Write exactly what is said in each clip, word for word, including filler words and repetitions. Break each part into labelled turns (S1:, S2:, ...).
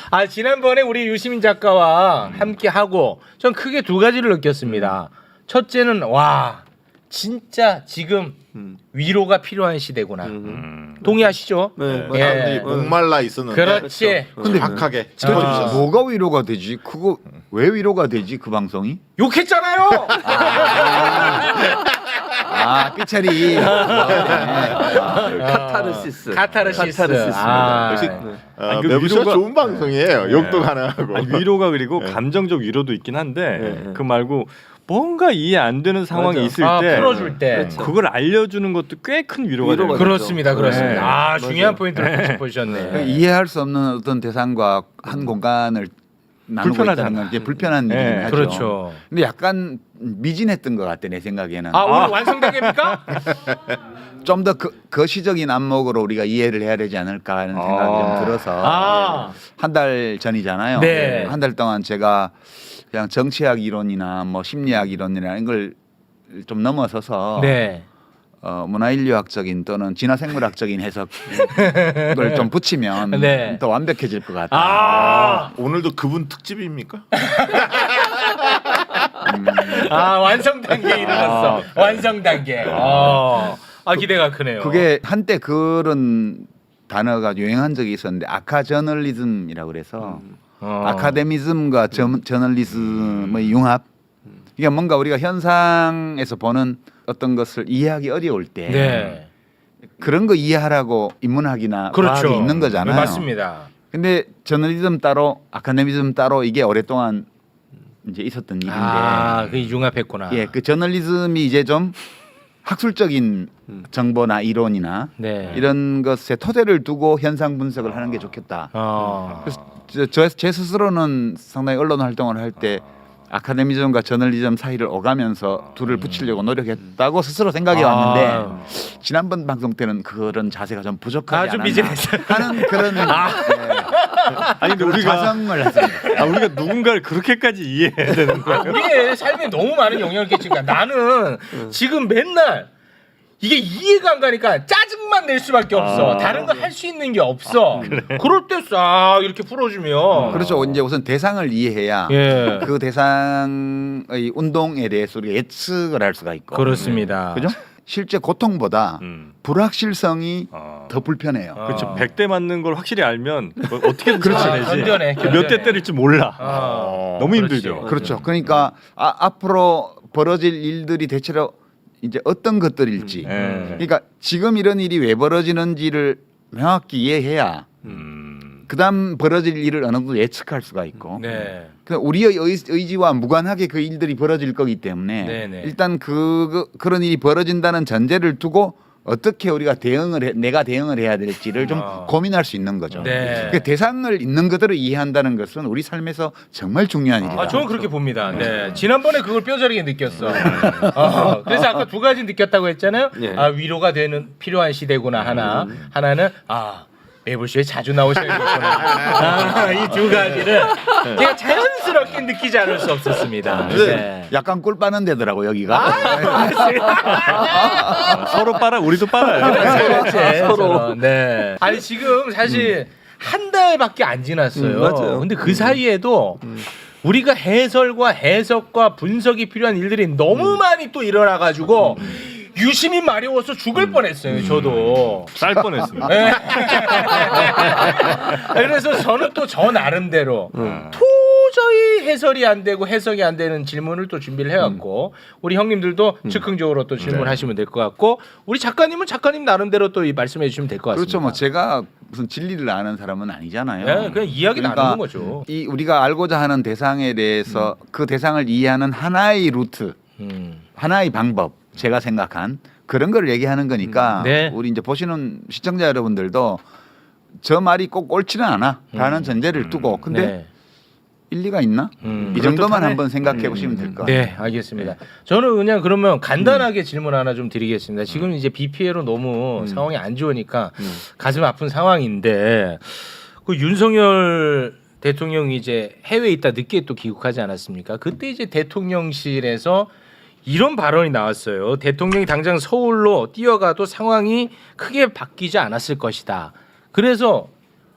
S1: 아 지난번에 우리 유시민 작가와 함께 하고 전 크게 두 가지를 느꼈습니다. 첫째는 와 진짜 지금
S2: 음.
S1: 위로가 필요한 시대구나.
S2: 음.
S1: 동의하시죠?
S2: 네.
S1: 예.
S3: 사람들이 목말라 있었는데
S1: 그렇지.
S2: 근데
S3: 정확하게
S1: 아.
S3: 짚어주셨어.
S4: 뭐가 위로가 되지? 그거 왜 위로가 되지? 그 방송이?
S1: 욕했잖아요.
S4: 아 삐처리.
S2: 카타르시스.
S1: 카타르시스.
S2: 카타르시스입니다.
S1: 아.
S3: 역시
S2: 네.
S3: 어,
S2: 아니, 그
S3: 매부쇼
S2: 위로가-
S3: 좋은 방송이에요.
S2: 네.
S3: 욕도 가능하고.
S2: 아니, 위로가 그리고
S3: 네.
S2: 감정적 위로도 있긴 한데
S4: 네.
S2: 그 말고 뭔가 이해 안 되는 상황이
S4: 맞아.
S2: 있을
S1: 아,
S2: 때
S1: 풀어줄 때.
S2: 그렇죠. 그걸 알려주는 것도 꽤 큰 위로가 되는 거죠.
S1: 그렇습니다, 그렇습니다.
S2: 네.
S1: 아
S2: 맞아요.
S1: 중요한 포인트를 짚어주셨네.
S4: 이해할 수 없는 어떤 대상과 한 공간을 나누고
S2: 불편하잖아.
S4: 있다는 건 이제 불편한
S2: 네.
S4: 일이긴 하죠.
S1: 그렇죠.
S4: 근데 약간 미진했던 것 같아 내 생각에는.
S1: 아 오늘 완성되겠습니까?
S4: 좀 더 그, 거시적인 안목으로 우리가 이해를 해야 되지 않을까 하는 생각이
S2: 아.
S4: 좀 들어서
S1: 아.
S4: 한 달 전이잖아요.
S1: 네.
S4: 한 달 동안 제가 그냥 정치학 이론이나 뭐 심리학 이론이나 이런 걸 좀 넘어서서
S1: 네.
S4: 어, 문화인류학적인 또는 진화생물학적인 해석을 좀 붙이면
S1: 네.
S4: 더 완벽해질 것 같아요.
S1: 아,
S3: 오늘도 그분 특집입니까?
S1: 아 완성 단계에 이르렀어. 완성 단계. 어. 아 기대가 크네요.
S4: 그게 한때 그런 단어가 유행한 적이 있었는데 아카저널리즘이라고 그래서
S1: 어.
S4: 아카데미즘과 저, 저널리즘의 융합. 이게 뭔가 우리가 현상에서 보는 어떤 것을 이해하기 어려울 때
S1: 네.
S4: 그런 거 이해하라고 인문학이나
S1: 그렇죠.
S4: 과학이 있는 거잖아요.
S1: 맞습니다.
S4: 근데 저널리즘 따로 아카데미즘 따로 이게 오랫동안 이제 있었던 일인데
S1: 아, 그 융합했구나.
S4: 예, 그 저널리즘이 이제 좀 학술적인 정보나 이론이나
S1: 네.
S4: 이런 것에 토대를 두고 현상 분석을 하는 게 좋겠다.
S1: 어.
S4: 그래서 저, 제 스스로는 상당히 언론 활동을 할 때 아카데미즘과 저널리즘 사이를 오가면서 둘을 붙이려고 노력했다고 스스로 생각해
S1: 아.
S4: 왔는데 지난번 방송 때는 그런 자세가 좀 부족하지
S1: 아, 좀
S4: 않았나
S1: 미진했어요.
S4: 하는 그런 예,
S2: 아니 근데
S4: 그런
S2: 우리가
S4: 자성을 했습니다.
S2: 아, 우리가 누군가를 그렇게까지 이해해야 되는 거야.
S1: 아, 우리의 삶에 너무 많은 영향을 끼치니까 나는 지금 맨날 이게 이해가 안 가니까 짜증만 낼 수밖에 없어.
S2: 아.
S1: 다른 거 할 수 있는 게 없어. 그럴 때 싹 이렇게 풀어주면.
S4: 그렇죠. 이제 우선 대상을 이해해야
S1: 예.
S4: 그 대상의 운동에 대해서 우리가 예측을 할 수가 있고.
S1: 그렇습니다.
S4: 그죠? 실제 고통보다
S2: 음.
S4: 불확실성이
S2: 아.
S4: 더 불편해요.
S1: 어.
S2: 그렇죠. 백 대 맞는 걸 확실히 알면 뭐 어떻게든
S1: 그렇죠.
S2: 참아내지.
S1: 견뎌내, 견뎌내.
S2: 몇 대 때릴지 몰라.
S1: 어.
S2: 너무
S1: 그렇지.
S2: 힘들죠.
S4: 그렇죠. 그러니까 아, 앞으로 벌어질 일들이 대체로 이제 어떤 것들일지.
S2: 음.
S4: 그러니까 지금 이런 일이 왜 벌어지는지를 명확히 이해해야
S2: 음.
S4: 그다음 벌어질 일을 어느 정도 예측할 수가 있고.
S1: 네.
S4: 그 우리의 의, 의지와 무관하게 그 일들이 벌어질 거기 때문에
S1: 네네.
S4: 일단 그, 그 그런 일이 벌어진다는 전제를 두고 어떻게 우리가 대응을 해, 내가 대응을 해야 될지를 좀
S1: 어.
S4: 고민할 수 있는 거죠.
S1: 네.
S4: 그 대상을 있는 그대로 이해한다는 것은 우리 삶에서 정말 중요한 일이다.
S1: 아, 저는 그렇게 봅니다. 네. 지난번에 그걸 뼈저리게 느꼈어. 어, 그래서 아까 두 가지 느꼈다고 했잖아요.
S2: 예.
S1: 아, 위로가 되는 필요한 시대구나 하나. 하나는 아, 매불쇼에 자주 나오셔야겠구나. 아, 이 두 가지를 제가 자연스럽게 느끼지 않을 수 없었습니다. 네.
S4: 약간 꿀 빠는 데더라고 여기가.
S2: 아, 서로 빨아 우리도 빨아요.
S1: 그렇지, 그렇지. 서로. 네. 아니 지금 사실 한 달밖에 안 지났어요.
S2: 음, 맞아요.
S1: 근데 그 사이에도 우리가 해설과 해석과 분석이 필요한 일들이 너무 많이 또 일어나가지고 유심히 마려워서 죽을 뻔했어요. 저도.
S2: 쌀 뻔했습니다.
S1: 네. 그래서 저는 또 저 나름대로 도저히 해설이 안 되고 해석이 안 되는 질문을 또 준비를 해왔고 우리 형님들도 즉흥적으로 또 질문하시면 될 것 같고 우리 작가님은 작가님 나름대로 또 이 말씀해 주시면 될 것 같습니다.
S4: 그렇죠. 뭐 제가 무슨 진리를 아는 사람은 아니잖아요.
S1: 네, 그냥 이야기
S4: 그러니까
S1: 나누는 거죠.
S4: 이 우리가 알고자 하는 대상에 대해서 그 대상을 이해하는 하나의 루트,
S1: 음.
S4: 하나의 방법, 제가 생각한 그런 걸 얘기하는 거니까
S1: 네.
S4: 우리 이제 보시는 시청자 여러분들도 저 말이 꼭 옳지는 않아라는 전제를 두고 근데
S1: 네.
S4: 일리가 있나?
S1: 음.
S4: 이 정도만
S2: 그럴듯하네.
S4: 한번 생각해 보시면 될 것 같아요.
S1: 네, 알겠습니다. 저는 그냥 그러면 간단하게 질문 하나 좀 드리겠습니다. 지금 이제 비 피해로 너무 상황이 안 좋으니까 가슴 아픈 상황인데 그 윤석열 대통령이 이제 해외에 있다 늦게 또 귀국하지 않았습니까? 그때 이제 대통령실에서 이런 발언이 나왔어요. 대통령이 당장 서울로 뛰어가도 상황이 크게 바뀌지 않았을 것이다. 그래서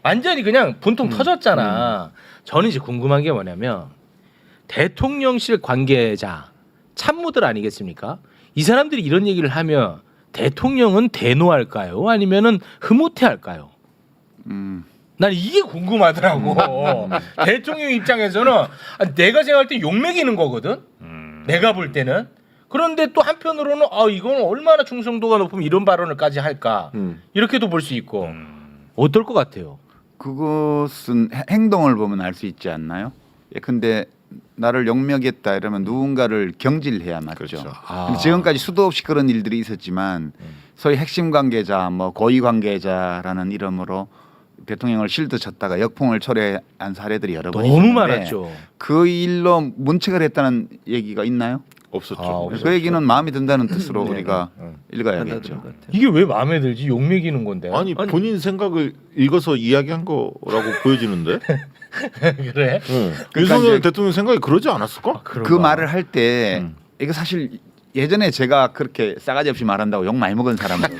S1: 완전히 그냥 분통 터졌잖아. 저는 이제 궁금한 게 뭐냐면 대통령실 관계자 참모들 아니겠습니까? 이 사람들이 이런 얘기를 하면 대통령은 대노할까요? 아니면은 흐뭇해할까요?
S4: 음.
S1: 난 이게 궁금하더라고. 대통령 입장에서는 내가 생각할 때 욕먹이는 거거든.
S2: 음.
S1: 내가 볼 때는. 그런데 또 한편으로는 아 이건 얼마나 충성도가 높으면 이런 발언을까지 할까
S3: 음.
S1: 이렇게도 볼 수 있고
S2: 음.
S1: 어떨 것 같아요?
S4: 그것은 해- 행동을 보면 알 수 있지 않나요? 예, 근데 나를 욕먹였다 이러면 누군가를 경질해야 맞죠.
S3: 그렇죠.
S1: 아.
S4: 근데 지금까지 수도 없이 그런 일들이 있었지만 소위 핵심 관계자, 뭐 고위 관계자라는 이름으로 대통령을 실드 쳤다가 역풍을 초래한 사례들이 여러 번
S1: 너무
S4: 있었는데
S1: 많았죠.
S4: 그 일로 문책을 했다는 얘기가 있나요?
S3: 없었죠.
S1: 아, 없었죠.
S4: 그 얘기는 마음에 든다는 뜻으로
S1: 네,
S4: 우리가
S1: 네.
S4: 읽어야겠죠.
S1: 이게 왜 마음에 들지? 욕먹이는 건데.
S3: 아니 본인 생각을 읽어서 이야기한 거라고 보여지는데.
S1: 그래?
S3: 응.
S4: 그러니까
S3: 윤석열
S4: 이제-
S3: 대통령 생각이 그러지 않았을까?
S4: 그 말을 할 때
S3: 음.
S4: 이거 사실 예전에 제가 그렇게 싸가지 없이 말한다고 욕 많이 먹은 사람으로서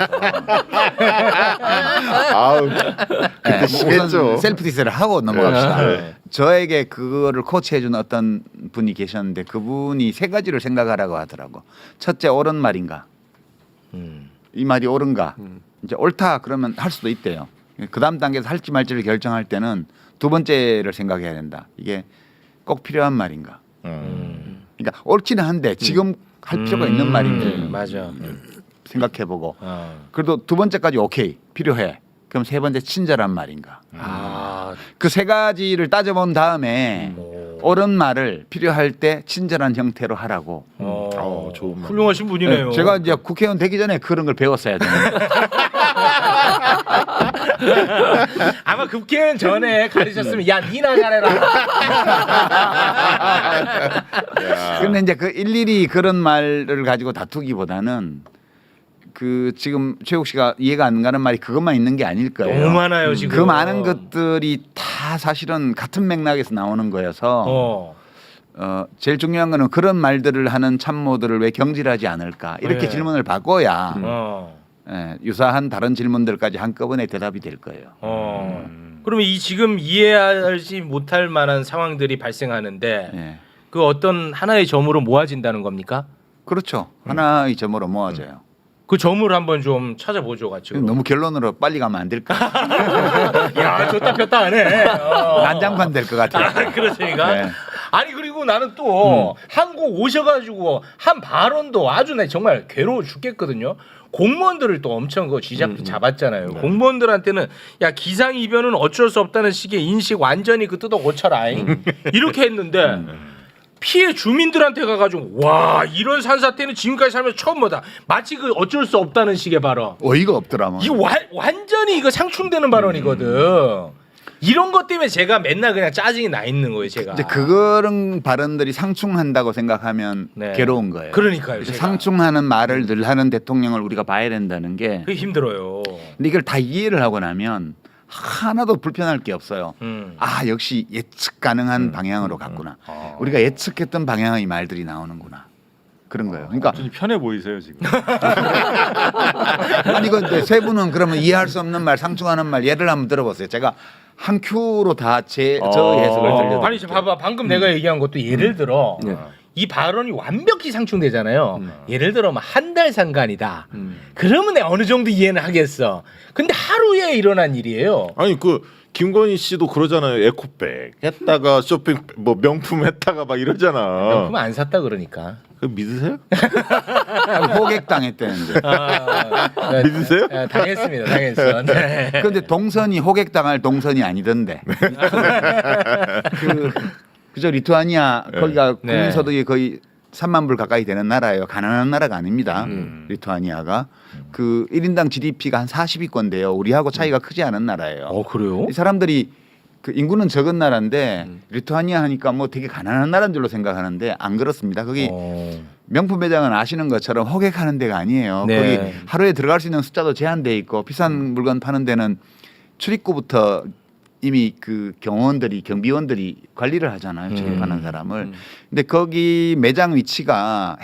S3: 아우
S4: 네, 뭐
S3: 심했죠.
S4: 우선 셀프 디스를 하고 넘어갑시다.
S3: 네.
S4: 저에게 그거를 코치해준 어떤 분이 계셨는데 그분이 세 가지를 생각하라고 하더라고. 첫째 옳은 말인가?
S1: 음.
S4: 이 말이 옳은가?
S3: 음.
S4: 이제 옳다 그러면 할 수도 있대요. 그 다음 단계에서 할지 말지를 결정할 때는 두 번째를 생각해야 된다. 이게 꼭 필요한 말인가?
S1: 음.
S4: 그러니까 옳지는 한데 지금 할 필요가
S1: 음.
S4: 있는 말인지
S1: 음, 맞아.
S4: 생각해보고
S1: 어.
S4: 그래도 두 번째까지 오케이 필요해. 그럼 세 번째 친절한 말인가?
S1: 아.
S4: 그 세 가지를 따져본 다음에
S1: 오.
S4: 옳은 말을 필요할 때 친절한 형태로 하라고.
S1: 어.
S3: 어, 좋은 말.
S1: 훌륭하신 분이네요.
S4: 네, 제가 이제 국회의원 되기 전에 그런 걸 배웠어야 되는데
S1: 아마 국회의원 전에 가르쳤으면 야 니나 잘해라.
S3: 야.
S4: 근데 이제 그 일일이 그런 말을 가지고 다투기보다는 그 지금 최욱 씨가 이해가 안 가는 말이 그것만 있는 게 아닐 거예요.
S1: 너무 많아요 지금.
S4: 그 많은 것들이 다 사실은 같은 맥락에서 나오는 거여서 어.
S1: 어.
S4: 제일 중요한 거는 그런 말들을 하는 참모들을 왜 경질하지 않을까 이렇게
S1: 네.
S4: 질문을 바꿔야
S1: 어.
S4: 예, 유사한 다른 질문들까지 한꺼번에 대답이 될 거예요.
S1: 어.
S2: 음.
S1: 그러면 이 지금 이해하지 못할 만한 상황들이 발생하는데
S4: 예.
S1: 그 어떤 하나의 점으로 모아진다는 겁니까?
S4: 그렇죠. 하나의 점으로 모아져요.
S1: 그 점을 한번 좀 찾아보죠, 같이. 그럼.
S4: 너무 결론으로 빨리 가면 안 될까?
S1: 야, 줬다 폈다 하네. 어.
S4: 난장판 될 것 같아요.
S1: 아, 그렇습니까?
S4: 네.
S1: 아니 그리고 나는 또 한국 오셔가지고 한 발언도 아주 나 정말 괴로워 죽겠거든요. 공무원들을 또 엄청 그 쥐잡 잡았잖아요. 공무원들한테는 야 기상 이변은 어쩔 수 없다는 식의 인식 완전히 그 뜯어 고쳐라 이렇게 했는데 피해 주민들한테 가가지고 와 이런 산사태는 지금까지 살면서 처음 보다. 마치 그 어쩔 수 없다는 식의 발언.
S4: 어이가 없더라. 뭐.
S1: 이거 와, 완전히 이거 상충되는 발언이거든. 이런 것 때문에 제가 맨날 그냥 짜증이 나 있는 거예요, 제가.
S4: 이제 그런 발언들이 상충한다고 생각하면
S1: 네.
S4: 괴로운 거예요.
S1: 그러니까요. 제가.
S4: 상충하는 말을 늘 하는 대통령을 우리가 봐야 된다는 게.
S1: 그게 힘들어요.
S4: 근데 이걸 다 이해를 하고 나면 하나도 불편할 게 없어요.
S1: 음.
S4: 아 역시 예측 가능한 방향으로 갔구나.
S2: 아.
S4: 우리가 예측했던 방향의 말들이 나오는구나. 그런 거예요. 그러니까
S2: 완전히 편해 보이세요 지금.
S4: 아니 근데 세 분은 그러면 이해할 수 없는 말, 상충하는 말 예를 한번 들어보세요. 제가 한 큐로 다 제 저
S2: 어.
S4: 해석을 들려드릴게요.
S1: 아니 저 봐봐 방금 내가 얘기한 것도 예를 들어
S2: 네.
S1: 이 발언이 완벽히 상충되잖아요. 예를 들어 한 달 상간이다. 그러면 내가 어느 정도 이해는 하겠어. 근데 하루에 일어난 일이에요.
S3: 아니 그 김건희 씨도 그러잖아요. 에코백 했다가 쇼핑 뭐 명품 했다가 막 이러잖아.
S1: 명품 안 샀다 그러니까.
S3: 그 믿으세요?
S4: 호객 당했다는데.
S1: 아, 네,
S3: 믿으세요?
S1: 네, 당했습니다. 당했어. 네.
S4: 그런데 동선이 호객 당할 동선이 아니던데. 그 그저 리투아니아 거기가
S1: 네.
S4: 국민소득이 거의 삼만 불 가까이 되는 나라예요. 가난한 나라가 아닙니다.
S2: 음.
S4: 리투아니아가 그 일 인당 지디피가 한 사십 위권인데요. 우리하고 차이가 크지 않은 나라예요.
S1: 어 그래요?
S4: 이 사람들이 그 인구는 적은 나라인데 리투아니아 하니까 뭐 되게 가난한 나라인 줄로 생각하는데 안 그렇습니다. 거기
S1: 어.
S4: 명품 매장은 아시는 것처럼 호객하는 데가 아니에요.
S1: 네.
S4: 거기 하루에 들어갈 수 있는 숫자도 제한돼 있고 비싼 물건 파는 데는 출입구부터 이미 그 경호원들이 경비원들이 관리를 하잖아요. 출입하는 사람을. 근데 거기 매장 위치가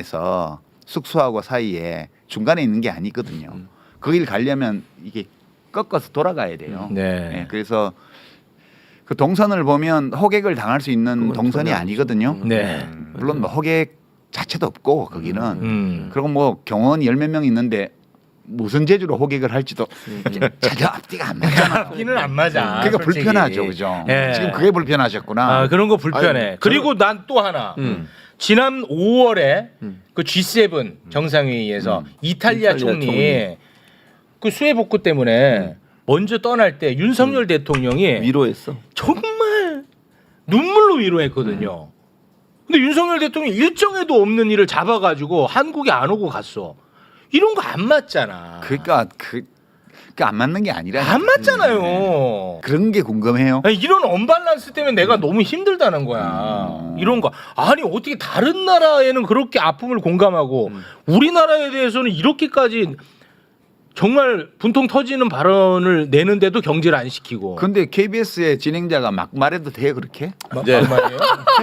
S4: 행사장에서 숙소하고 사이에 중간에 있는 게 아니거든요. 거길 가려면 이게 꺾어서 돌아가야 돼요.
S1: 네.
S4: 예, 그래서 그 동선을 보면 호객을 당할 수 있는
S5: 그건
S4: 동선이
S5: 전혀
S4: 아니거든요.
S1: 네.
S4: 물론 뭐 호객 자체도 없고 거기는
S1: 음.
S4: 그리고 뭐 경호원이 열 몇 명 있는데 무슨 재주로 호객을 할지도 전혀 앞뒤가 안 맞잖아.
S1: 앞뒤는 안 맞아.
S4: 그러니까
S1: 솔직히.
S4: 불편하죠, 그죠?
S1: 예.
S4: 지금 그게 불편하셨구나.
S1: 아, 그런 거 불편해.
S3: 아니,
S1: 그리고 난 또 하나.
S5: 음.
S1: 지난 오월에
S5: 음.
S1: 그 지 세븐 정상회의에서
S4: 음.
S1: 이탈리아,
S5: 이탈리아
S1: 총리,
S5: 총리.
S1: 그 수해 복구 때문에 먼저 떠날 때 윤석열 대통령이
S5: 위로했어.
S1: 정말 눈물로 위로했거든요. 근데 윤석열 대통령이 일정에도 없는 일을 잡아가지고 한국에 안 오고 갔어. 이런 거 안 맞잖아.
S4: 그러니까 그, 그 안 맞는 게 아니라
S1: 안 맞잖아요.
S4: 그런 게 궁금해요.
S1: 아니, 이런 언밸런스 때문에 내가 너무 힘들다는 거야.
S4: 음.
S1: 이런 거. 아니 어떻게 다른 나라에는 그렇게 아픔을 공감하고
S5: 음.
S1: 우리나라에 대해서는 이렇게까지 정말 분통 터지는 발언을 내는데도 경제를 안 시키고.
S4: 근데 케이비에스의 진행자가 막 말해도 돼요 그렇게?
S3: 이제
S1: 막말이에요?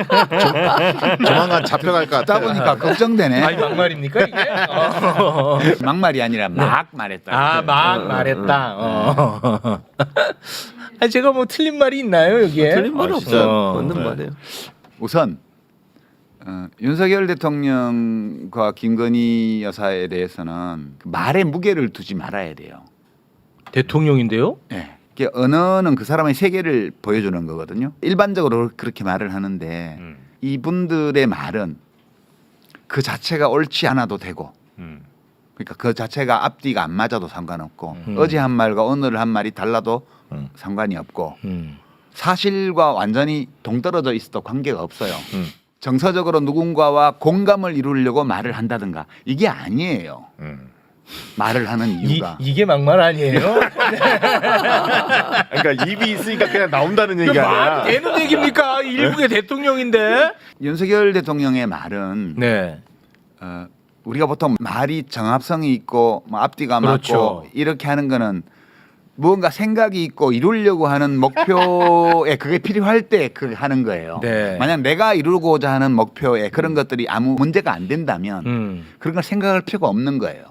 S3: 조만간 잡혀갈 것
S4: 듣다
S3: 같아.
S4: 보니까 걱정되네.
S1: 아니 막말입니까 이게? 어.
S4: 막말이 아니라 막 말했다.
S1: 아, 막 말했다. 어. 아니, 제가 뭐 틀린 말이 있나요 여기에?
S5: 틀린 말은
S3: 아,
S5: 없어.
S3: 진짜.
S5: 맞는
S3: 네.
S5: 말이에요.
S4: 우선 어, 윤석열 대통령과 김건희 여사에 대해서는 그 말의 무게를 두지 말아야 돼요.
S1: 대통령인데요?
S4: 예. 이게 언어는 그 사람의 세계를 보여주는 거거든요. 일반적으로 그렇게 말을 하는데
S2: 음.
S4: 이분들의 말은 그 자체가 옳지 않아도 되고
S2: 음.
S4: 그러니까 그 자체가 앞뒤가 안 맞아도 상관없고
S1: 음.
S4: 어제 한 말과 오늘 한 말이 달라도
S3: 음.
S4: 상관이 없고
S1: 음.
S4: 사실과 완전히 동떨어져 있어도 관계가 없어요.
S3: 음.
S4: 정서적으로 누군가와 공감을 이루려고 말을 한다든가 이게 아니에요.
S3: 음.
S4: 말을 하는
S1: 이,
S4: 이유가
S1: 이게 막말 아니에요?
S3: 그러니까 입이 있으니까 그냥 나온다는
S1: 그
S3: 얘기가
S1: 말이
S3: 아니라.
S1: 되는 얘기입니까? 일국의 대통령인데.
S4: 윤석열 대통령의 말은
S1: 네.
S4: 어, 우리가 보통 말이 정합성이 있고 뭐 앞뒤가
S1: 그렇죠.
S4: 맞고 이렇게 하는 거는 무언가 생각이 있고 이루려고 하는 목표에 그게 필요할 때 그 하는 거예요.
S1: 네.
S4: 만약 내가 이루고자 하는 목표에 그런 것들이 아무 문제가 안 된다면
S1: 음.
S4: 그런 걸 생각할 필요가 없는 거예요.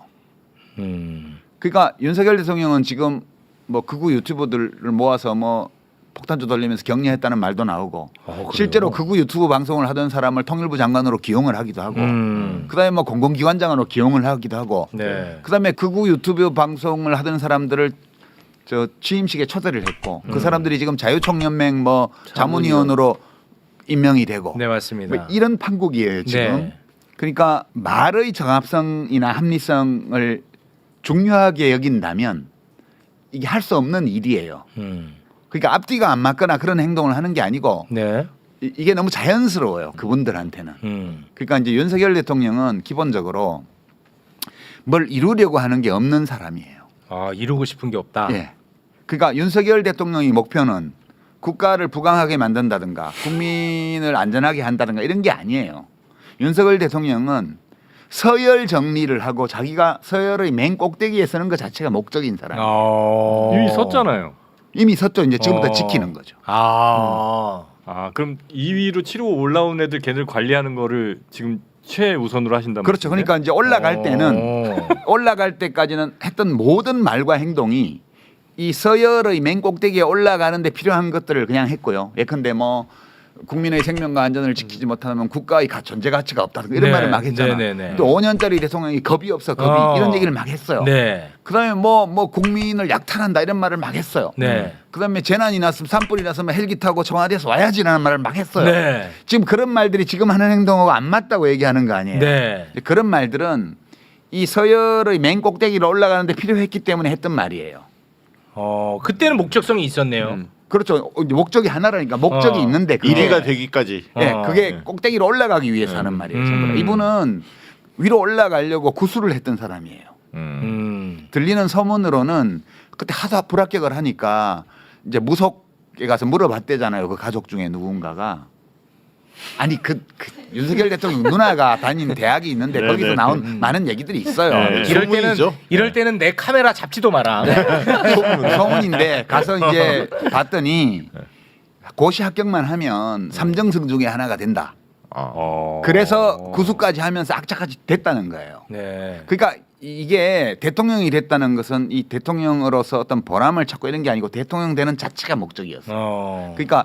S1: 음.
S4: 그러니까 윤석열 대통령은 지금 뭐 극우 유튜버들을 모아서 뭐 폭탄주 돌리면서 격려했다는 말도 나오고
S1: 어, 그래요?
S4: 실제로 극우 유튜브 방송을 하던 사람을 통일부 장관으로 기용을 하기도 하고
S1: 음.
S4: 그다음에 뭐 공공기관장으로 기용을 하기도 하고
S1: 네.
S4: 그다음에 극우 유튜브 방송을 하던 사람들을 저 취임식에 초대를 했고
S1: 음.
S4: 그 사람들이 지금 자유총연맹 뭐 자문위원으로 임명이 되고
S1: 네, 맞습니다.
S4: 뭐 이런 판국이에요 지금.
S1: 네.
S4: 그러니까 말의 정합성이나 합리성을 중요하게 여긴다면 이게 할 수 없는 일이에요.
S1: 음.
S4: 그러니까 앞뒤가 안 맞거나 그런 행동을 하는 게 아니고
S1: 네.
S4: 이- 이게 너무 자연스러워요 그분들한테는.
S1: 음.
S4: 그러니까 이제 윤석열 대통령은 기본적으로 뭘 이루려고 하는 게 없는 사람이에요.
S1: 아, 이루고 싶은 게 없다.
S4: 예. 그러니까 윤석열 대통령의 목표는 국가를 부강하게 만든다든가 국민을 안전하게 한다든가 이런 게 아니에요. 윤석열 대통령은 서열 정리를 하고 자기가 서열의 맨 꼭대기에 서는 것 자체가 목적인 사람.
S1: 어.
S2: 이미 섰잖아요.
S4: 이미 섰죠. 이제 지금부터
S1: 어.
S4: 지키는 거죠.
S1: 아.
S2: 아 그럼 이 위로 치르고 올라온 애들 걔들 관리하는 거를 지금 최우선으로 하신단
S4: 그렇죠.
S2: 말씀이세요?
S4: 그러니까 이제 올라갈 때는
S1: 어.
S4: 올라갈 때까지는 했던 모든 말과 행동이 이 서열의 맨 꼭대기에 올라가는데 필요한 것들을 그냥 했고요. 예컨대 뭐 국민의 생명과 안전을 지키지 못하면 국가의 가- 존재 가치가 없다 이런
S1: 네.
S4: 말을 막 했잖아.
S1: 네, 네, 네.
S4: 또 오 년짜리 대통령이 겁이 없어 겁이
S1: 어.
S4: 이런 얘기를 막 했어요.
S1: 네.
S4: 그다음에 뭐 뭐 국민을 약탈한다 이런 말을 막 했어요.
S1: 네.
S4: 그다음에 재난이 났으면 산불이 났으면 헬기 타고 청와대에서 와야지라는 말을 막 했어요.
S1: 네.
S4: 지금 그런 말들이 지금 하는 행동하고 안 맞다고 얘기하는 거 아니에요.
S1: 네.
S4: 그런 말들은 이 서열의 맨 꼭대기로 올라가는데 필요했기 때문에 했던 말이에요.
S1: 어, 그때는 목적성이 있었네요.
S5: 음.
S4: 그렇죠. 목적이 하나라니까 목적이
S1: 어.
S4: 있는데 그게,
S3: 일 위가 되기까지.
S4: 예,
S1: 어.
S4: 그게
S3: 네.
S4: 꼭대기로 올라가기 위해서 하는 말이에요. 전부 다.
S1: 음.
S4: 이분은 위로 올라가려고 구술을 했던 사람이에요.
S3: 음.
S1: 음.
S4: 들리는 소문으로는 그때 하도 불합격을 하니까 이제 무속에 가서 물어봤대잖아요. 그 가족 중에 누군가가. 아니 그, 그 윤석열 대통령 누나가 다닌 대학이 있는데
S3: 네,
S4: 거기서
S3: 네.
S4: 나온
S1: 음.
S4: 많은 얘기들이 있어요.
S3: 네.
S1: 이럴 때는
S3: 소문이죠.
S1: 이럴 때는 내 카메라 잡지도 마라.
S4: 소문, 소문인데 가서 이제 봤더니 고시 합격만 하면 삼정승 중에 하나가 된다.
S3: 아.
S2: 어.
S4: 그래서 구수까지 하면서 악착같이 됐다는 거예요.
S1: 네.
S4: 그러니까 이게 대통령이 됐다는 것은 이 대통령으로서 어떤 보람을 찾고 이런 게 아니고 대통령 되는 자체가 목적이었어요.
S1: 어.
S4: 그러니까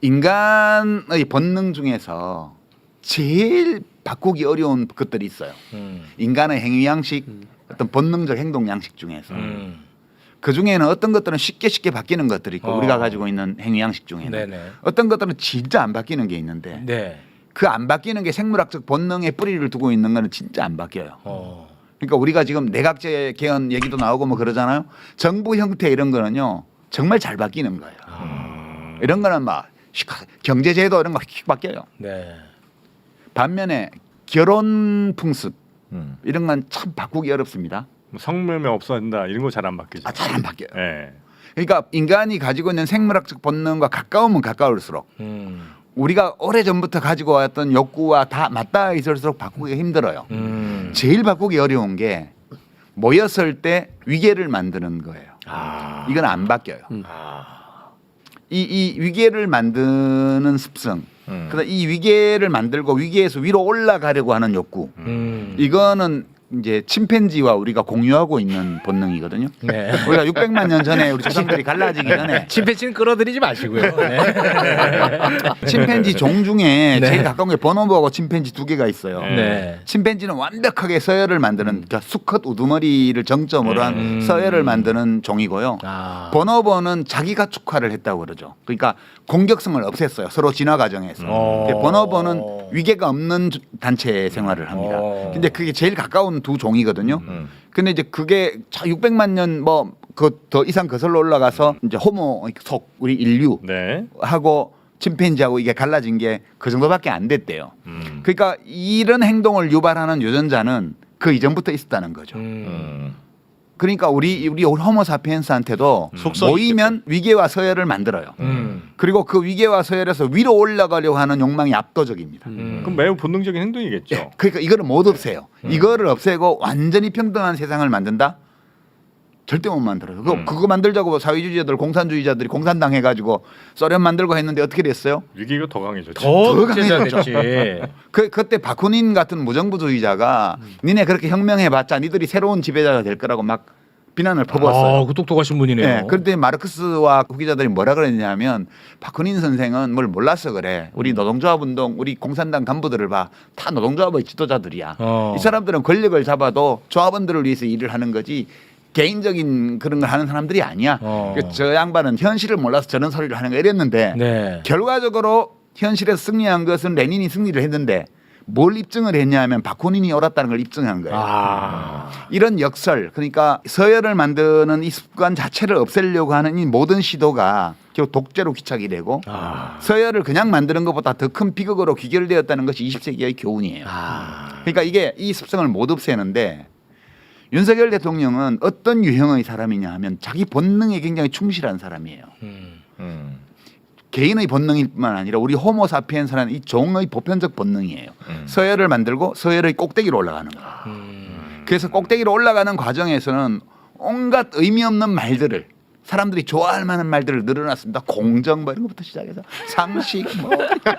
S4: 인간의 본능 중에서 제일 바꾸기 어려운 것들이 있어요.
S1: 음.
S4: 인간의 행위 양식, 어떤 본능적 행동 양식 중에서
S1: 음.
S4: 그 중에는 어떤 것들은 쉽게 쉽게 바뀌는 것들이 있고
S1: 어.
S4: 우리가 가지고 있는 행위 양식 중에는
S1: 네네.
S4: 어떤 것들은 진짜 안 바뀌는 게 있는데
S1: 네.
S4: 그 안 바뀌는 게 생물학적 본능에 뿌리를 두고 있는 거는 진짜 안 바뀌어요.
S1: 어.
S4: 그러니까 우리가 지금 내각제 개헌 얘기도 나오고 뭐 그러잖아요. 정부 형태 이런 거는요 정말 잘 바뀌는 거예요.
S1: 아.
S4: 이런 거는 막 경제 제도 이런 거 휙 바뀌어요.
S1: 네.
S4: 반면에 결혼 풍습
S3: 음.
S4: 이런 건 참 바꾸기 어렵습니다.
S2: 뭐 성매매 없어진다 이런 거 잘 안 바뀌죠.
S4: 아, 잘 안 바뀌어요.
S2: 예.
S4: 그러니까 인간이 가지고 있는 생물학적 본능과 가까우면 가까울수록
S1: 음.
S4: 우리가 오래 전부터 가지고 왔던 욕구와 다 맞닿아 있을수록 바꾸기가 힘들어요.
S1: 음.
S4: 제일 바꾸기 어려운 게 모였을 때 위계를 만드는 거예요.
S1: 아.
S4: 이건 안 바뀌어요.
S1: 아.
S4: 이, 이 위계를 만드는 습성,
S3: 음.
S4: 그다음 이 위계를 만들고 위계에서 위로 올라가려고 하는 욕구,
S1: 음.
S4: 이거는 이제 침팬지와 우리가 공유하고 있는 본능이거든요.
S1: 네.
S4: 우리가 육백만 년 전에 우리 조상들이 갈라지기 전에
S1: 침팬지는 끌어들이지 마시고요. 네.
S4: 침팬지 종 중에
S1: 네.
S4: 제일 가까운 게 보노보하고 침팬지 두 개가 있어요.
S1: 네.
S4: 침팬지는 완벽하게 서열을 만드는 그러니까 수컷 우두머리를 정점으로 한
S1: 음.
S4: 서열을 만드는 종이고요.
S1: 아.
S4: 보노보는 자기가 축화를 했다고 그러죠. 그러니까 공격성을 없앴어요. 서로 진화 과정에서.
S1: 어.
S4: 근데 보노보는 위계가 없는 주- 단체 생활을 합니다.
S1: 어.
S4: 근데 그게 제일 가까운 두 종이거든요.
S3: 음.
S4: 근데 이제 그게 육백만 년 뭐 그 더 이상 거슬러 올라가서 이제 호모 속 우리 인류
S2: 네.
S4: 하고 침팬지하고 이게 갈라진 게 그 정도밖에 안 됐대요.
S2: 음.
S4: 그러니까 이런 행동을 유발하는 유전자는 그 이전부터 있었다는 거죠.
S1: 음.
S3: 음.
S4: 그러니까 우리 우리 호모사피엔스한테도
S3: 속성이
S4: 모이면 위계와 서열을 만들어요.
S1: 음.
S4: 그리고 그 위계와 서열에서 위로 올라가려고 하는 욕망이 압도적입니다.
S1: 음.
S2: 그럼 매우 본능적인 행동이겠죠.
S4: 예, 그러니까 이거를 못 없애요. 이거를 없애고 완전히 평등한 세상을 만든다? 절대 못 만들어요. 그거,
S3: 음.
S4: 그거 만들자고 사회주의자들, 공산주의자들이 공산당 해가지고 소련 만들고 했는데 어떻게 됐어요?
S2: 위기가 더 강해졌죠.
S1: 더
S4: 더
S1: 극제자됐지.
S4: 그 그때 바쿠닌 같은 무정부주의자가 니네 그렇게 혁명해봤자 니들이 새로운 지배자가 될 거라고 막 비난을 퍼부었어요.
S1: 아, 그 똑똑하신 분이네요.
S4: 네, 그런데 마르크스와 후기자들이 뭐라 그랬냐면 바쿠닌 선생은 뭘 몰라서 그래. 우리 노동조합 운동, 우리 공산당 간부들을 봐. 다 노동조합의 지도자들이야.
S1: 어.
S4: 이 사람들은 권력을 잡아도 조합원들을 위해서 일을 하는 거지 개인적인 그런 걸 하는 사람들이 아니야.
S1: 어.
S4: 그저 양반은 현실을 몰라서 저런 소리를 하는 거 이랬는데
S1: 네.
S4: 결과적으로 현실에서 승리한 것은 레닌이 승리를 했는데 뭘 입증을 했냐면 바쿠닌이 옳았다는 걸 입증한 거예요.
S1: 아.
S4: 이런 역설, 그러니까 서열을 만드는 이 습관 자체를 없애려고 하는 이 모든 시도가 결국 독재로 귀착이 되고
S1: 아.
S4: 서열을 그냥 만드는 것보다 더 큰 비극으로 귀결되었다는 것이 이십 세기의 교훈이에요.
S1: 아.
S4: 그러니까 이게 이 습성을 못 없애는데 윤석열 대통령은 어떤 유형의 사람이냐 하면 자기 본능에 굉장히 충실한 사람이에요.
S1: 음.
S3: 음.
S4: 개인의 본능일 뿐만 아니라 우리 호모사피엔스라는 이 종의 보편적 본능이에요.
S3: 음.
S4: 서열을 만들고 서열의 꼭대기로 올라가는 거예요.
S1: 음.
S4: 그래서 꼭대기로 올라가는 과정에서는 온갖 의미 없는 말들을 사람들이 좋아할 만한 말들을 늘어놨습니다. 공정 뭐 이런 것부터 시작해서 상식 뭐,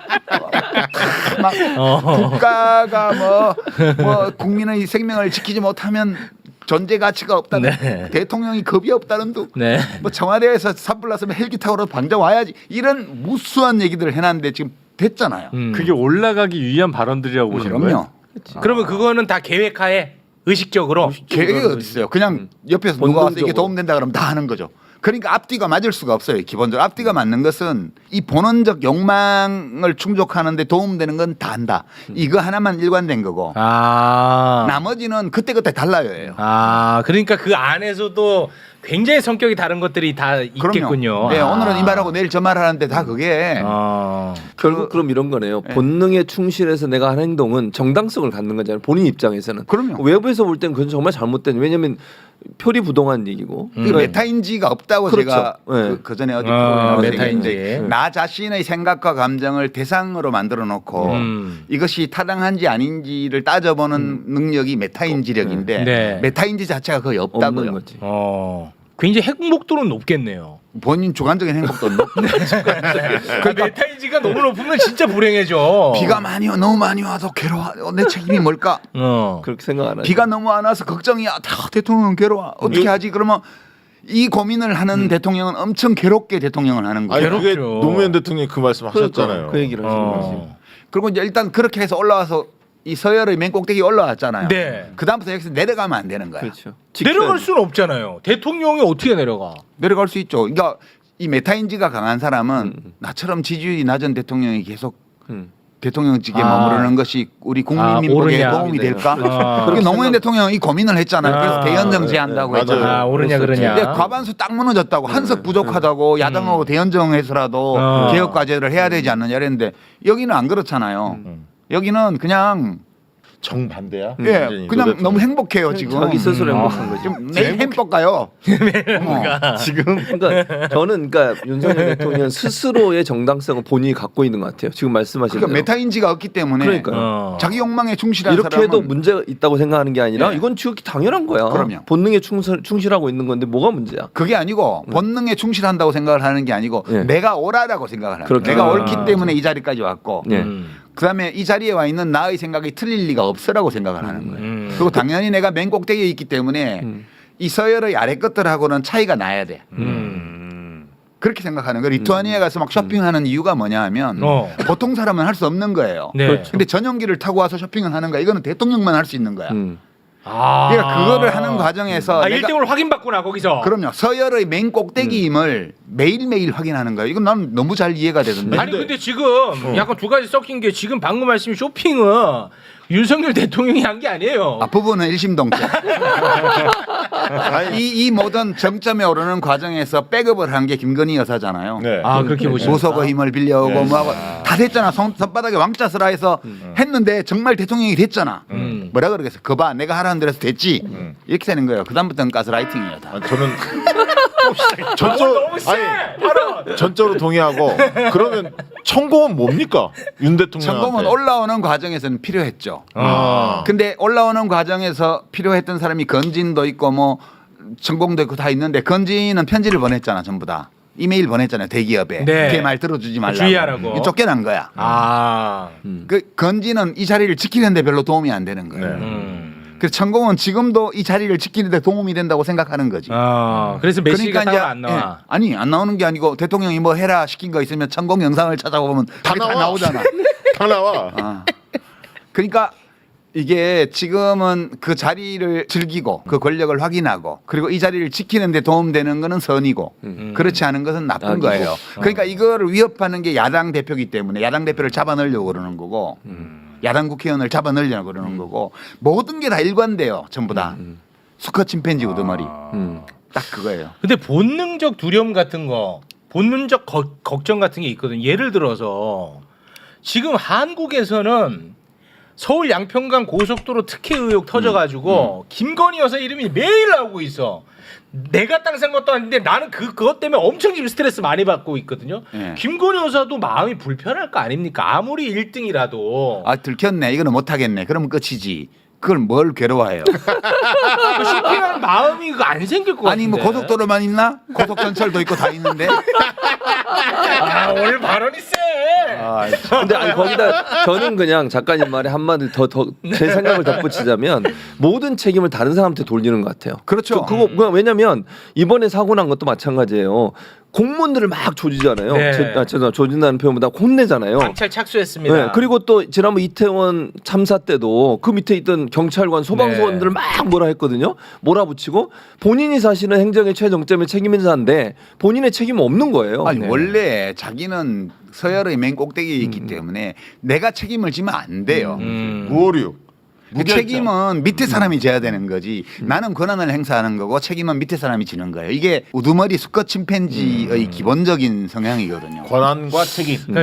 S4: 막
S1: 어.
S4: 국가가 뭐, 뭐 국민의 생명을 지키지 못하면 존재 가치가 없다는
S1: 네.
S4: 대통령이 겁이 없다는 둥
S1: 네.
S4: 뭐 청와대에서 산불났으면 헬기 타고 방장 와야지 이런 무수한 얘기들을 해놨는데 지금 됐잖아요.
S1: 음.
S2: 그게 올라가기 위한 발언들이라고 보시는
S4: 그럼요.
S2: 거예요?
S1: 그러면 그거는 다 계획하에 의식적으로.
S4: 계획이 어디 있어요? 그냥 옆에서 누가 와서 이게 도움된다 그러면 다 하는 거죠. 그러니까 앞뒤가 맞을 수가 없어요. 기본적으로 앞뒤가 맞는 것은 이 본원적 욕망을 충족하는데 도움되는 건 다 한다. 이거 하나만 일관된 거고
S1: 아.
S4: 나머지는 그때그때 달라요.
S1: 아, 그러니까 그 안에서도 굉장히 성격이 다른 것들이 다 있겠군요.
S4: 네,
S1: 아.
S4: 오늘은 이 말하고 내일 저 말하는데 다 그게
S1: 아.
S5: 결국 그럼 이런 거네요.
S4: 네.
S5: 본능에 충실해서 내가 하는 행동은 정당성을 갖는 거잖아요. 본인 입장에서는.
S4: 그럼요.
S5: 외부에서 볼 때는 그건 정말 잘못된. 왜냐하면 표리부동한 얘기고.
S4: 그 메타인지가 없다고
S5: 그렇죠.
S4: 제가
S5: 네.
S4: 그, 그 전에 어디
S1: 아,
S4: 프로그램에서
S1: 메타인지.
S4: 얘기했는데 나 자신의 생각과 감정을 대상으로 만들어 놓고
S1: 음.
S4: 이것이 타당한지 아닌지를 따져보는 능력이 메타인지력인데
S1: 네.
S4: 메타인지 자체가 거의 없다고요.
S5: 없는 거지.
S1: 어. 굉장히 행복도는 높겠네요.
S4: 본인 주관적인 행복도 없는.
S1: 그 메타인지가 너무 높으면 진짜 불행해져.
S4: 비가 많이 와 너무 많이 와서 괴로워. 어, 내 책임이 뭘까?
S1: 어.
S5: 그렇게 생각 안 하죠.
S4: 비가 너무 안 와서 걱정이야. 다 대통령은 괴로워. 어떻게 하지? 그러면 이 고민을 하는 대통령은 엄청 괴롭게 대통령을 하는 거예요.
S3: 아니 그게
S1: 괴롭죠.
S3: 노무현 대통령이 그 말씀 하셨잖아요.
S5: 그러니까, 그 얘기를 하신 거지.
S1: 어.
S4: 그리고 이제 일단 그렇게 해서 올라와서 이 서열의 맨 꼭대기 올라왔잖아요.
S1: 네.
S4: 그 다음부터 여기서 내려가면 안 되는 거야.
S5: 그렇죠.
S1: 내려갈
S5: 지켜야지.
S1: 수는 없잖아요. 대통령이 어떻게 내려가?
S4: 내려갈 수 있죠. 그러니까 이 메타인지가 강한 사람은
S5: 음.
S4: 나처럼 지지율이 낮은 대통령이 계속
S5: 음.
S4: 대통령직에
S1: 아.
S4: 머무르는 것이 우리
S1: 아,
S4: 국민 복에
S1: 옳으냐.
S4: 도움이 될까?
S1: 아.
S4: 그렇게 노무현 대통령이 이 고민을 했잖아요. 그래서
S1: 아.
S4: 대연정
S3: 네,
S4: 제한다고
S3: 네,
S4: 했잖아요.
S3: 맞아요.
S1: 아, 오르냐 그러냐.
S4: 근데 과반수 딱 무너졌다고 한석 부족하다고 야당하고 대연정해서라도
S1: 어.
S4: 개혁 과제를 해야 되지 않느냐 이랬는데 여기는 안 그렇잖아요.
S3: 음.
S4: 여기는 그냥
S3: 정반대야.
S4: 예
S3: 완전히
S4: 그냥
S3: 노 대통령.
S4: 너무 행복해요 지금.
S5: 자기 스스로
S1: 음.
S5: 행복한 거지.
S4: 좀 내일 햄버거 가요. 어.
S5: 지금 그러니까 저는 그러니까 윤석열 대통령 스스로의 정당성을 본인이 갖고 있는 것 같아요. 지금 말씀하신
S4: 그러니까
S5: 대로.
S4: 메타인지가 없기 때문에
S5: 그러니까요.
S1: 어.
S4: 자기 욕망에 충실한
S5: 이렇게
S4: 사람은
S5: 해도 문제가 있다고 생각하는 게 아니라
S4: 네.
S5: 이건 지극히 당연한 거야.
S4: 그럼요.
S5: 본능에 충실, 충실하고 있는 건데 뭐가 문제야?
S4: 그게 아니고 본능에 충실한다고 생각을 하는 게 아니고
S5: 예.
S4: 내가 옳아라고 생각을 하는 거예요.
S5: 그렇죠.
S4: 내가
S1: 아.
S4: 옳기 때문에 이 자리까지 왔고
S5: 예.
S1: 음.
S4: 그다음에 이 자리에 와 있는 나의 생각이 틀릴 리가 없으라고 생각을 하는 거예요.
S1: 음.
S4: 그리고 당연히 내가 맨 꼭대기에 있기 때문에
S5: 음.
S4: 이 서열의 아래 것들하고는 차이가 나야 돼.
S1: 음.
S4: 그렇게 생각하는 거예요. 리투아니아에 가서 막 쇼핑하는 이유가 뭐냐 하면
S1: 어.
S4: 보통 사람은 할 수 없는 거예요.
S1: 네.
S5: 그렇죠.
S4: 근데 전용기를 타고 와서 쇼핑을 하는 거야. 이거는 대통령만 할 수 있는 거야.
S5: 음.
S1: 아.
S4: 그러니까 그거를 하는 과정에서
S1: 아,
S4: 내가
S1: 일 등을 확인받구나 거기서.
S4: 그럼요. 서열의 맨 꼭대기임을 매일매일 확인하는 거예요. 이건 난 너무 잘 이해가 되던데.
S1: 아니 근데 지금 약간 두 가지 섞인 게 지금 방금 말씀 쇼핑은 윤석열 대통령이 한 게 아니에요.
S4: 앞부분은 일심동체. 이, 이 모든 정점에 오르는 과정에서 백업을 한 게 김건희 여사잖아요.
S3: 네.
S1: 아 그렇게 보시면
S4: 보석의 힘을 빌려오고
S3: 네.
S4: 뭐하고 다 됐잖아. 손, 손바닥에 왕자스라 해서 했는데 정말 대통령이 됐잖아.
S1: 음.
S4: 뭐라 그러겠어. 그봐 내가 하라는 대로 해서 됐지.
S3: 음.
S4: 이렇게 되는 거예요. 그 다음부터는 가스라이팅이에요. 다.
S3: 아, 저는 전적
S1: 너무 세.
S3: 아니
S1: 바로.
S3: 전적으로 동의하고 그러면 천공은 뭡니까 윤 대통령한테?
S4: 천공은 올라오는 과정에서는 필요했죠.
S1: 아.
S4: 근데 올라오는 과정에서 필요했던 사람이 건진도 있고 뭐 천공도 있고 다 있는데 건진은 편지를 보냈잖아 전부 다. 이메일 보냈잖아요 대기업에.
S1: 네.
S4: 걔 말 들어주지 말라고.
S1: 주의하라고.
S4: 이게 쫓겨난 거야.
S1: 아.
S5: 음.
S4: 그 건진은 이 자리를 지키는데 별로 도움이 안 되는 거예요.
S3: 네.
S1: 음.
S4: 그래서 천공은 지금도 이 자리를 지키는데 도움이 된다고 생각하는 거지.
S1: 아. 그래서 메시지가 따로 안 나와.
S4: 예, 아니 안 나오는 게 아니고 대통령이 뭐 해라 시킨 거 있으면 천공 영상을 찾아보면
S3: 다
S4: 그게 다
S3: 나와.
S4: 나오잖아.
S3: 다 나와.
S4: 아. 그러니까 이게 지금은 그 자리를 즐기고 그 권력을 확인하고 그리고 이 자리를 지키는 데 도움되는 거는 선이고
S1: 음.
S4: 그렇지 않은 것은 나쁜
S5: 악이고.
S4: 거예요. 그러니까 이거를 위협하는 게 야당 대표이기 때문에 야당 대표를 잡아넣으려고 그러는 거고 야당 국회의원을 잡아넣으려고 그러는 거고 모든 게 다 일관돼요. 전부 다. 수컷 침팬지 우두머리.
S5: 음.
S4: 딱 그거예요.
S1: 근데 본능적 두려움 같은 거, 본능적 거- 걱정 같은 게 있거든. 예를 들어서 지금 한국에서는 서울 양평강 고속도로 특혜 의혹 터져가지고 김건희 여사 이름이 매일 나오고 있어. 내가 땅 산 것도 아닌데 나는 그 그것 때문에 엄청 지금 스트레스 많이 받고 있거든요.
S4: 예.
S1: 김건희 여사도 마음이 불편할 거 아닙니까? 아무리 일 등이라도
S4: 아 들켰네. 이거는 못하겠네. 그러면 끝이지. 그걸 뭘 괴로워해요?
S1: 그 쇼핑하는 마음이 그거 안 생길 것 같은데.
S4: 아니 뭐 고속도로만 있나? 고속전철도 있고 다 있는데.
S1: 아, 오늘 발언이 세.
S4: 아,
S5: 근데 아니 거기다 저는 그냥 작가님 말에 한마디 더 더 제 생각을 덧붙이자면 모든 책임을 다른 사람한테 돌리는 것 같아요.
S4: 그렇죠.
S5: 그, 거 그냥 왜냐면 이번에 사고 난 것도 마찬가지예요. 공무원들을 막 조지잖아요.
S1: 네.
S5: 제, 아, 죄송합니다. 조진다는 표현보다 혼내잖아요.
S1: 경찰 착수했습니다.
S5: 네, 그리고 또 지난번 이태원 참사 때도 그 밑에 있던 경찰관, 소방서원들을
S1: 네.
S5: 막 뭐라 했거든요. 몰아붙이고 본인이 사실은 행정의 최정점에 책임인사인데 본인의 책임은 없는 거예요.
S4: 아니
S5: 네.
S4: 원래 자기는 서열의 맨 꼭대기에 있기 때문에 내가 책임을 지면 안 돼요.
S1: 음.
S3: 무오류.
S4: 그 책임은 밑에 사람이 져야 되는 거지. 나는 권한을 행사하는 거고 책임은 밑에 사람이 지는 거예요. 이게 우두머리 수컷 침팬지의 기본적인 성향이거든요.
S3: 권한과 책임.